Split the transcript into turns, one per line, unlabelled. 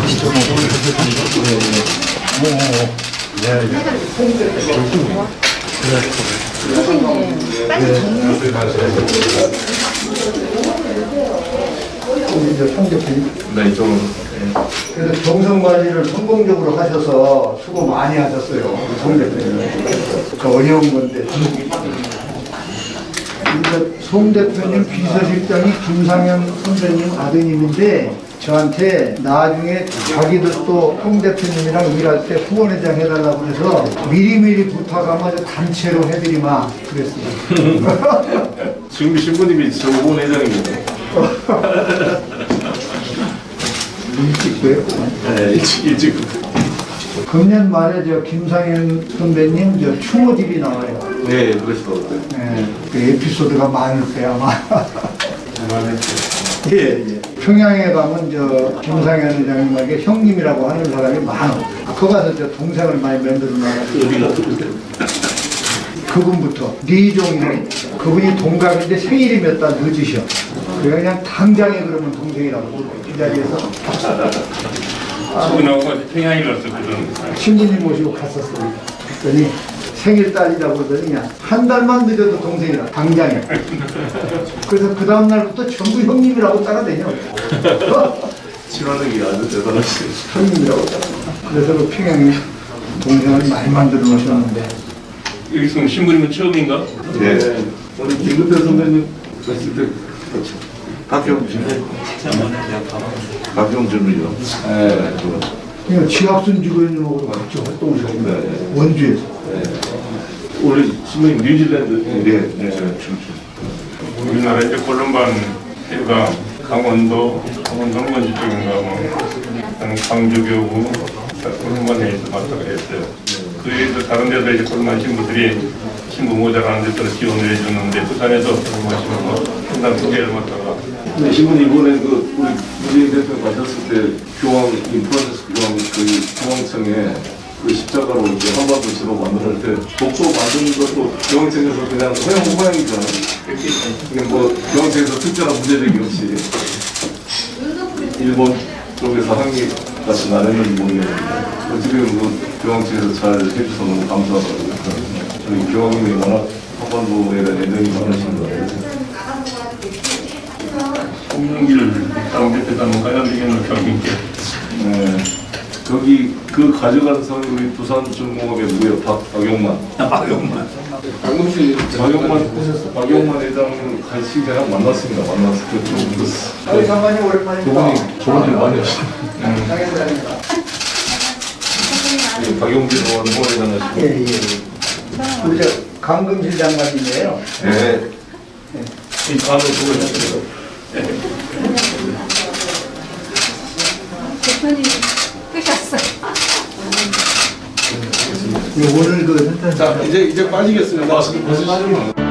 네, 이쪽은.
그래서 정성 관리를 성공적으로 하셔서 수고 많이 하셨어요. 송 대표님. 어려운 건데. 송 대표님 비서실장이 김상현 선배님 아드님인데 저한테 나중에 자기도 또 송 대표님이랑 일할 때 후원회장 해달라고 해서 미리미리 부탁하면 단체로 해드리마 그랬어요.
지금 신부님이 저 후원회장입니다.
일찍도 했구만.
네, 일찍.
금년 말에 저 김상현 선배님 저 추모집이 나와요.
네, 그러시더라고요.
네, 그 에피소드가 많을 거야 아마.
예, 예.
평양에 가면 저 김상현 회장님에게 형님이라고 하는 사람이 많아. 거 가서 저 동생을 많이 만들어 놔가지고. 그분부터 리종이 그분이 동갑인데 생일이 몇 달 늦으셔. 그래 그냥 당장에 그러면 동생이라고 이 자리에서
친구나고 평양에 갔었거든.
신부님 모시고 갔었어요. 그랬더니 생일 딸이라고 그러더니 그냥 한 달만 늦어도 동생이라 당장에. 그래서 그 다음 날부터 전부 형님이라고 따라다녀.
친화력이 아주 대단하시네요.
형님이라고 따라. 그래서 그 평양에 동생을 많이 만들어 놓으셨는데.
여기서 신부님은 처음인가?
네. 오늘 김근태 선배님 봤을 때 박경준이요. 네,
그냥 지학순 주교님하고 같이 활동하셨는데
네.
원주에서.
네. 원래 신부님 뉴질랜드. 네, 네.
우리나라 이제 골룸반 해가 강원도 원주 쪽인가 뭐 광주교구 골룸반에서 맡아가 했어요. 그 외에도 다른 데도 이제 골룸반 신부들이 신부 모자라는 데서 지원을 해줬는데 부산에서 골룸반 신부 분당 두 개를 맡다가.
네, 신부님 이번에 그 우리 문재인 대표 가셨을 때 교황 프란시스 교황 그 교황청에 그 십자가로 이제 한반도 지도 만들 때 독소 만드는 것도 교황청에서 그냥 허용이잖아요. 그냥 뭐 교황청에서 특별한 문제적이 없이 일본 쪽에서 항의 같이 안 했는지 모르겠는데 어쨌든 뭐 교황청에서 잘 해줘서 너무 감사하더라고요. 저희 교황님이 워낙 한반도에 대한 애정이 많으신 것 같아요.
홍영길 당대표단은 가야되겠는 경인께.
네. 거기 그 가져간 사람이 우리 부산중공업의 누구예요? 박용만.
박용만.
방금씨 박용만 회장을 같이 그냥 만났습니다. 만났을 때 좀
아유 장관님 오랜만입니다.
그분이 좋은 일 많이 하시네요.
장관입니다.
박용진 의원 후원회장 하시고.
예, 예. 우리 저 강금실 장관님이에요.
네. 이 다음에 수고하셨습니다.
대표님 끄셨어요.
오늘 그
자, 이제 빠지겠습니다.